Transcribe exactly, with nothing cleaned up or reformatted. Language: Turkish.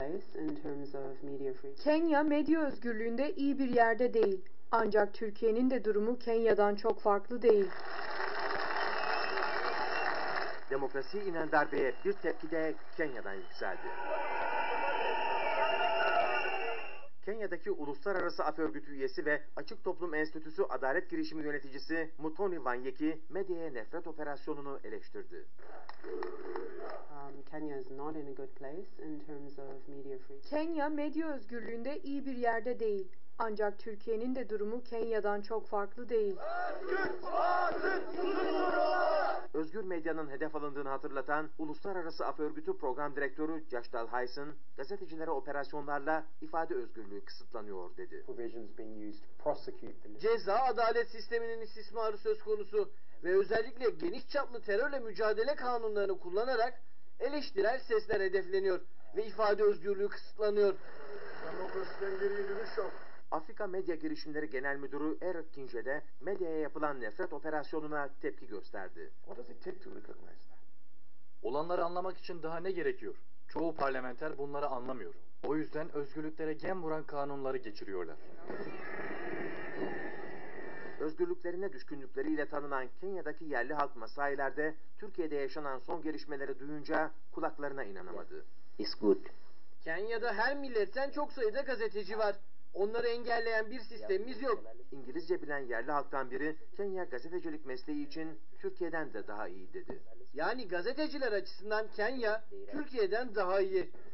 place in terms of media freedom. Kenya medya özgürlüğünde iyi bir yerde değil. Ancak Türkiye'nin de durumu Kenya'dan çok farklı değil. Demokrasiye inen darbeye bir tepki de Kenya'dan yükseldi. Kenya'daki Uluslararası Af Örgütü üyesi ve Açık Toplum Enstitüsü Adalet Girişimi yöneticisi Muthoni Wanyeki medyaya nefret operasyonunu eleştirdi. Um, Kenya is not in a good place in terms of media freedom. Kenya medya özgürlüğünde iyi bir yerde değil. Ancak Türkiye'nin de durumu Kenya'dan çok farklı değil. Özgür medyanın hedef alındığını hatırlatan Uluslararası Af Örgütü Program Direktörü Joshtal Hyson, gazetecilere operasyonlarla ifade özgürlüğü kısıtlanıyor dedi. Ceza adalet sisteminin istismarı söz konusu ve özellikle geniş çaplı terörle mücadele kanunlarını kullanarak eleştirel sesler hedefleniyor ve ifade özgürlüğü kısıtlanıyor. Demokrasiden geriye dönüş yok. Afrika Medya Girişimleri Genel Müdürü Eric Kinje de medyaya yapılan nefret operasyonuna tepki gösterdi. Olanları anlamak için daha ne gerekiyor? Çoğu parlamenter bunları anlamıyor. O yüzden özgürlüklere gem vuran kanunları geçiriyorlar. Özgürlüklerine düşkünlükleriyle tanınan Kenya'daki yerli halk Masailerde Türkiye'de yaşanan son gelişmeleri duyunca kulaklarına inanamadı. It's good. Kenya'da her milletten çok sayıda gazeteci var. Onları engelleyen bir sistemimiz yok. İngilizce bilen yerli halktan biri Kenya gazetecilik mesleği için Türkiye'den de daha iyi dedi. Yani gazeteciler açısından Kenya Türkiye'den daha iyi.